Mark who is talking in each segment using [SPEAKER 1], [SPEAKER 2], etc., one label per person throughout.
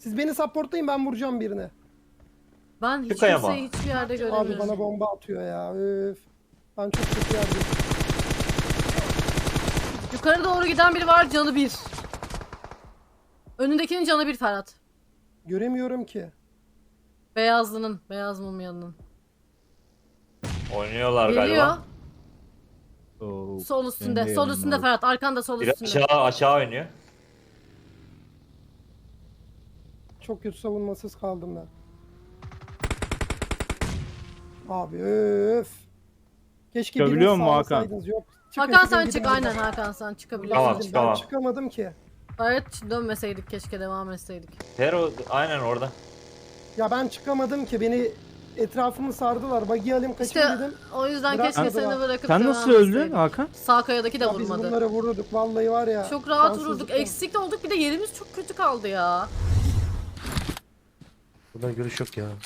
[SPEAKER 1] Siz beni supportlayın, ben vuracağım birine.
[SPEAKER 2] Ben hiç
[SPEAKER 3] Çıkaya mı?
[SPEAKER 2] kimseyi hiçbir yerde göremiyorum.
[SPEAKER 1] Abi bana bomba atıyor ya. Öf. Ben çok kötü yerdeyim.
[SPEAKER 2] Yukarı doğru giden biri var, canı 1. Önündekinin canı 1 Ferhat.
[SPEAKER 1] Göremiyorum ki.
[SPEAKER 2] Beyazlının, beyaz mumyanın.
[SPEAKER 3] Oynuyorlar
[SPEAKER 2] Geliyor.
[SPEAKER 3] galiba.
[SPEAKER 2] Sol üstünde, sol üstünde Ferhat. Arkanda sol
[SPEAKER 3] Bir
[SPEAKER 2] üstünde.
[SPEAKER 3] aşağı oynuyor.
[SPEAKER 1] Çok kötü savunmasız kaldım ben. Abi öf. Keşke
[SPEAKER 4] Çıkabiliyor
[SPEAKER 1] birini
[SPEAKER 4] mu Hakan?
[SPEAKER 1] sağlasaydınız. Yok. Çıkın,
[SPEAKER 2] Hakan
[SPEAKER 1] çıkın,
[SPEAKER 2] sen
[SPEAKER 1] gidin
[SPEAKER 2] çık,
[SPEAKER 1] buradan.
[SPEAKER 2] aynen Hakan sen çıkabilirsin.
[SPEAKER 3] Tamam,
[SPEAKER 1] Ben
[SPEAKER 3] çıkamam.
[SPEAKER 1] çıkamadım ki.
[SPEAKER 2] Evet dönmeseydik keşke, devam etseydik.
[SPEAKER 3] Tero aynen orada.
[SPEAKER 1] Ya ben çıkamadım ki. Beni etrafımı sardılar. Buggy alayım kaçayım
[SPEAKER 2] İşte
[SPEAKER 1] dedim.
[SPEAKER 2] o yüzden
[SPEAKER 1] Bırak-
[SPEAKER 2] keşke
[SPEAKER 1] Sen-
[SPEAKER 2] seni bırakıp
[SPEAKER 4] Sen
[SPEAKER 2] devam
[SPEAKER 4] nasıl öldün
[SPEAKER 2] etseydik.
[SPEAKER 4] Hakan?
[SPEAKER 2] Sağ kayadaki de
[SPEAKER 1] Ya biz
[SPEAKER 2] vurmadı.
[SPEAKER 1] bunları vururduk. Vallahi var ya.
[SPEAKER 2] Çok rahat vurduk.
[SPEAKER 1] şanssızlıktan.
[SPEAKER 2] Eksik de olduk, bir de yerimiz çok kötü kaldı ya.
[SPEAKER 5] Buradan görüş yok ya.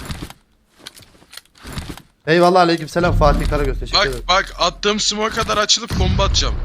[SPEAKER 5] Eyvallah, aleykümselam Fatih Karagöz, teşekkür ederim.
[SPEAKER 6] Bak attığım smoke kadar açılıp bomba atacağım.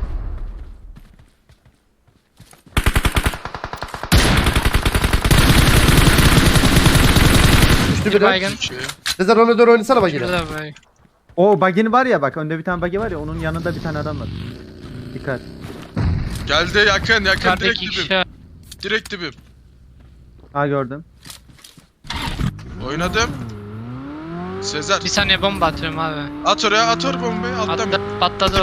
[SPEAKER 5] Düştü biri.
[SPEAKER 7] Baygın.
[SPEAKER 6] Peki.
[SPEAKER 5] Sezer ona doğru oynasana bak yine.
[SPEAKER 7] Şurada bay.
[SPEAKER 4] O bug'in var ya, bak önde bir tane bug'i var ya, onun yanında bir tane adam var. Dikkat.
[SPEAKER 6] Geldi yakın direkt
[SPEAKER 7] Yukarıdaki
[SPEAKER 6] dibim.
[SPEAKER 7] kişi.
[SPEAKER 6] Direkt dibim.
[SPEAKER 4] Ha gördüm.
[SPEAKER 6] Oynadım. Sezer
[SPEAKER 7] Bir saniye bomba atıyorum abi.
[SPEAKER 6] at oraya, at oraya bombayı, atlam.
[SPEAKER 7] Patladı o.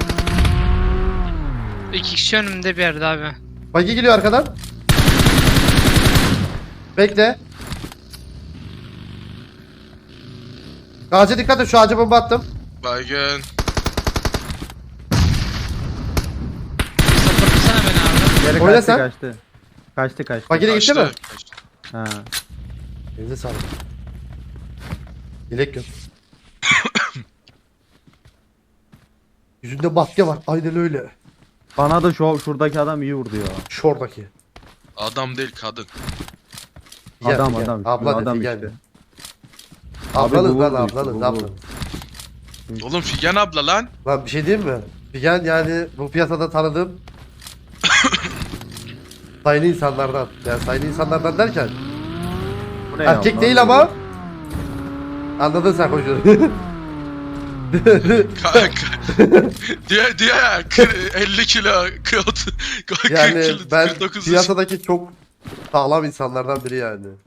[SPEAKER 7] İki kişi önümde bir yerde abi.
[SPEAKER 5] Buggy geliyor arkadan. Bekle. Ağaca dikkat et, şu ağaca bomba attım.
[SPEAKER 6] Baygın.
[SPEAKER 7] Sapırtsana beni abi.
[SPEAKER 4] Geri
[SPEAKER 5] Oyna
[SPEAKER 4] kaçtı
[SPEAKER 5] sen.
[SPEAKER 4] kaçtı. Kaçtı.
[SPEAKER 5] Buggy de gitti mi?
[SPEAKER 6] Kaçtı.
[SPEAKER 4] Ha.
[SPEAKER 5] Elinize sağlık. Dilek yok. Yüzünde maske var, aynen öyle.
[SPEAKER 4] Bana da şuradaki adam iyi vurdu ya.
[SPEAKER 5] Şoradaki.
[SPEAKER 6] Adam değil kadın.
[SPEAKER 5] Figen,
[SPEAKER 4] Adam,
[SPEAKER 5] Figen.
[SPEAKER 4] adam.
[SPEAKER 5] Abla
[SPEAKER 4] Adam
[SPEAKER 5] de Figen
[SPEAKER 4] işte.
[SPEAKER 5] de. Ablanız
[SPEAKER 4] bu
[SPEAKER 5] lan,
[SPEAKER 4] vurdu işte,
[SPEAKER 5] ablanız,
[SPEAKER 4] bu
[SPEAKER 5] ablanız.
[SPEAKER 4] vurdu.
[SPEAKER 6] Oğlum Figen abla lan.
[SPEAKER 5] Lan bir şey diyeyim mi? Figen yani bu piyasada tanıdığım sayılı insanlardan. Yani sayılı insanlardan derken
[SPEAKER 4] Bu ne ya?
[SPEAKER 5] erkek
[SPEAKER 4] Lan
[SPEAKER 5] değil
[SPEAKER 4] böyle.
[SPEAKER 5] ama anladın sen koşuyor.
[SPEAKER 6] Kanka. diye ya 50 kilo 40
[SPEAKER 5] Yani
[SPEAKER 6] kilo
[SPEAKER 5] ben
[SPEAKER 6] 49
[SPEAKER 5] piyasadaki çok sağlam insanlardan biri yani.